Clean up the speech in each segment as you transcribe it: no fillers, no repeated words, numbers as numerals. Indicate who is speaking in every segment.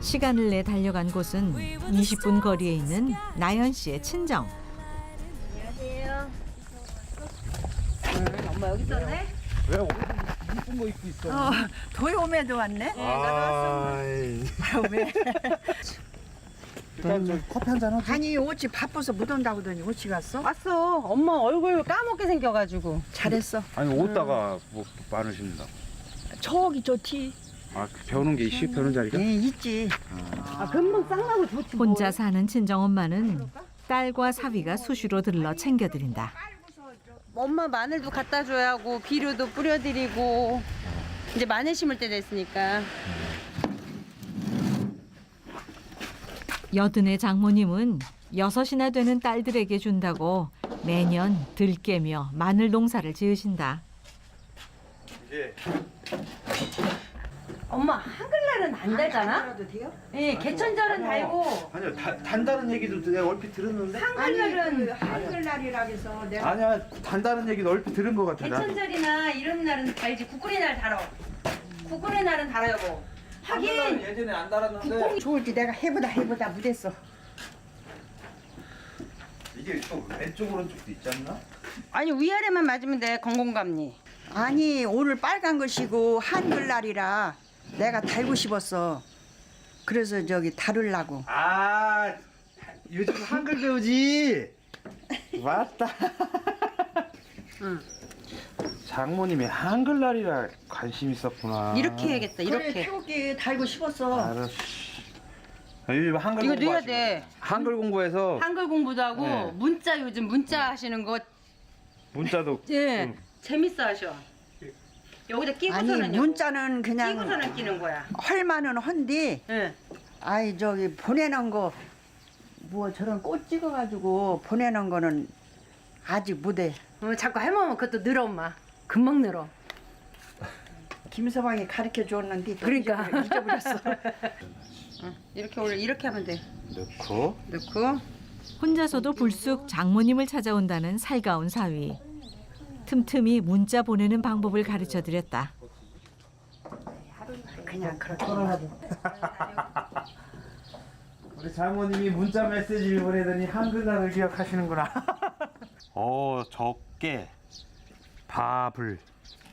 Speaker 1: 시간을 내 달려간 곳은 20분 거리에 있는 나연 씨의 친정.
Speaker 2: 안녕하세요. 엄마 여기 있었네?
Speaker 3: 왜 오늘 이쁜 거 입고 있어?
Speaker 4: 도요매도 왔네?
Speaker 2: 나도 왔어.
Speaker 3: 아이.
Speaker 4: 왜?
Speaker 3: 일단 저 커피 한잔 하자.
Speaker 4: 아니 옷이 바빠서 못 온다고더니 옷이 갔어?
Speaker 2: 왔어. 엄마 얼굴 까먹게 생겨가지고.
Speaker 4: 잘했어.
Speaker 3: 아니 옷다가 뭐 많으십니다.
Speaker 4: 저기 저 티.
Speaker 3: 아 배우는 게 있지? 배우는 자리가?
Speaker 4: 예, 있지.
Speaker 2: 금방 쌍나고 좋지.
Speaker 1: 혼자 사는 친정엄마는 딸과 사위가 수시로 들러 챙겨드린다.
Speaker 2: 엄마 마늘도 갖다 줘야 하고 비료도 뿌려드리고 이제 마늘 심을 때 됐으니까.
Speaker 1: 여든의 장모님은 6이나 되는 딸들에게 준다고 매년 들깨며 마늘 농사를 지으신다.
Speaker 3: 예.
Speaker 2: 엄마 한글날은 안 달잖아?
Speaker 4: 그래도 돼요?
Speaker 2: 예, 개천절은 달고
Speaker 3: 아니요 단다는 얘기도 내가 얼핏 들었는데.
Speaker 2: 한글날은
Speaker 4: 한글날이라 해서 내가
Speaker 3: 아니야 단다는 얘기도 얼핏 들은 것 같아. 나.
Speaker 2: 개천절이나 이런 날은 달지. 국군의 날 달어. 국군의 날은 달아요 뭐. 하긴
Speaker 3: 예전에 안 달았는데
Speaker 4: 콩이 좋을지 내가 해보다 못했어.
Speaker 3: 이게 또 왼쪽 오른쪽도 있지 않나?
Speaker 2: 아니 위아래만 맞으면 돼. 건공감리.
Speaker 4: 아니 오늘 빨간 것이고 한글날이라 내가 달고 싶었어. 그래서 저기 다르려고.
Speaker 3: 아 요즘 한글 배우지. 맞다.
Speaker 2: 응.
Speaker 3: 장모님이 한글날이라 관심 있었구나.
Speaker 2: 이렇게 해야겠다.
Speaker 4: 그래
Speaker 2: 이렇게.
Speaker 4: 태국에 달고 싶었어.
Speaker 3: 알았어. 요즘 한글
Speaker 2: 이거
Speaker 3: 공부하시고.
Speaker 2: 넣어야 돼.
Speaker 3: 한글 공부해서
Speaker 2: 한글 공부도 하고
Speaker 3: 네.
Speaker 2: 문자 요즘 문자 하시는 거
Speaker 3: 문자도
Speaker 2: 예.
Speaker 3: 응.
Speaker 2: 재밌어 하셔. 여기다
Speaker 4: 아니
Speaker 2: 끼고서는
Speaker 4: 문자는 그냥
Speaker 2: 끼고서는 끼는 거야.
Speaker 4: 헐만은 헌디.
Speaker 2: 예.
Speaker 4: 아이 저기 보내는 거 뭐 저런 꽃 찍어가지고 보내는 거는 아직 못해.
Speaker 2: 자꾸 할머니 그것도 늘어 엄마. 금방 늘어.
Speaker 4: 김서방이 가르쳐 줬는데 또
Speaker 2: 그러니까.
Speaker 4: 잊어버렸어.
Speaker 2: 이렇게 원래 이렇게 하면 돼.
Speaker 3: 넣고
Speaker 2: 넣고
Speaker 1: 혼자서도 불쑥 장모님을 찾아온다는 살가운 사위. 틈틈이 문자 보내는 방법을 가르쳐 드렸다.
Speaker 4: 그냥 그렇게.
Speaker 3: 우리 장모님이 문자 메시지를 보내더니 한글날을 기억하시는구나. 적게 밥을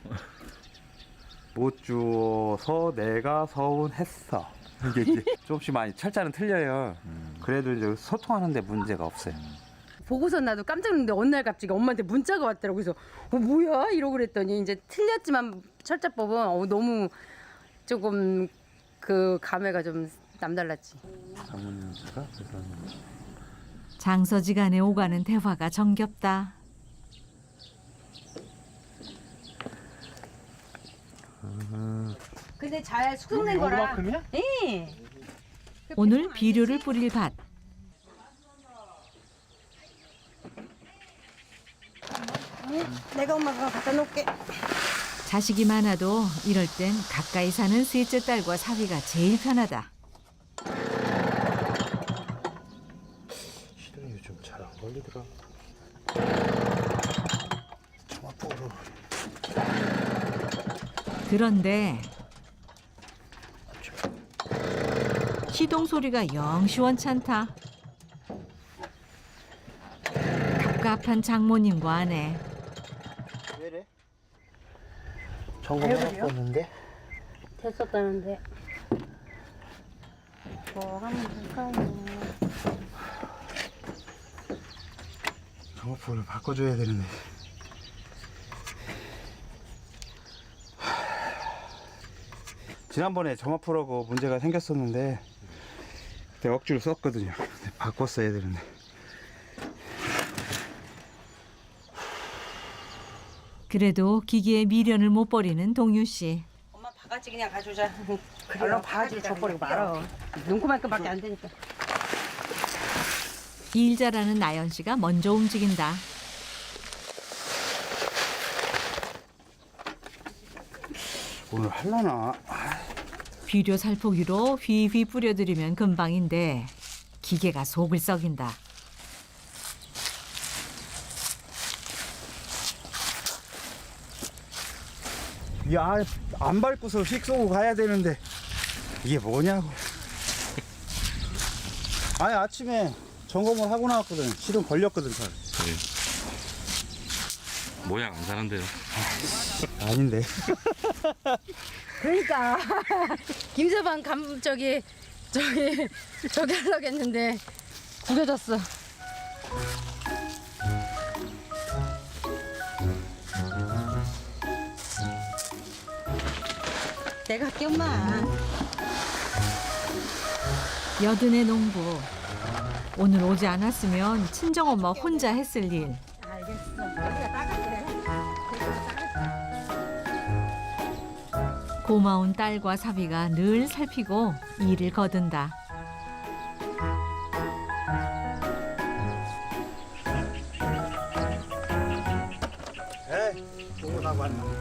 Speaker 3: 못 주어서 내가 서운했어. 이게 조금씩 많이 철자는 틀려요. 그래도 이제 소통하는데 문제가 없어요.
Speaker 2: 보고서 나도 깜짝 놀랐는데 어느 날 갑자기 엄마한테 문자가 왔더라고. 그래서 뭐야 이러고 그랬더니 이제 틀렸지만 철자법은 너무 조금 그 감회가 좀 남달랐지.
Speaker 3: 장모님께서 그래서
Speaker 1: 장서지간에 오가는 대화가 정겹다.
Speaker 2: 근데 잘 숙성된 거라.
Speaker 3: 요만큼이야?
Speaker 2: 예.
Speaker 1: 오늘 비료를 뿌릴 밭.
Speaker 2: 내가 엄마가 갖다 놓을게.
Speaker 1: 자식이 많아도 이럴 땐 가까이 사는 셋째 딸과 사위가 제일 편하다.
Speaker 3: 시동이 요즘 잘 안 걸리더라. 청아포로
Speaker 1: 그런데 시동 소리가 영 시원찮다. 갑갑한 장모님과 아내.
Speaker 3: 왜래? 점검 해봤는데
Speaker 2: 됐었다는데. 뭐 한번 볼까요?
Speaker 3: 점화포를 바꿔줘야 되는데. 지난번에 점화포라고 문제가 생겼었는데 그때 억지로 썼거든요. 근데 바꿨어야 되는데.
Speaker 1: 그래도 기기에 미련을 못 버리는 동유 씨.
Speaker 2: 엄마 바가지 그냥 가져오자.
Speaker 4: 그래요.
Speaker 2: 얼른 바가지를 줘버리고 말아. 눈코만 끝밖에 안 되니까.
Speaker 1: 일 잘하는 나연 씨가 먼저 움직인다.
Speaker 3: 오늘 할라나?
Speaker 1: 비료 살포기로 휘휘 뿌려드리면 금방인데 기계가 속을 썩인다.
Speaker 3: 야, 안 밟고서 휙 쏘고 가야 되는데 이게 뭐냐고.
Speaker 5: 아니 아침에 점검을 하고 나왔거든. 실은 걸렸거든 잘.
Speaker 6: 모양 안 사는데요.
Speaker 5: 아닌데.
Speaker 2: 그러니까 김서방 저기 하려고 했는데 구겨졌어. 내가 할게 엄마.
Speaker 1: 여든의 농부. 오늘 오지 않았으면 친정엄마 혼자 했을 일.
Speaker 2: 알겠어. 우리가 따갈게.
Speaker 1: 고마운 딸과 사비가 늘 살피고 일을 거둔다.
Speaker 5: 에이, 보고 나고 왔나.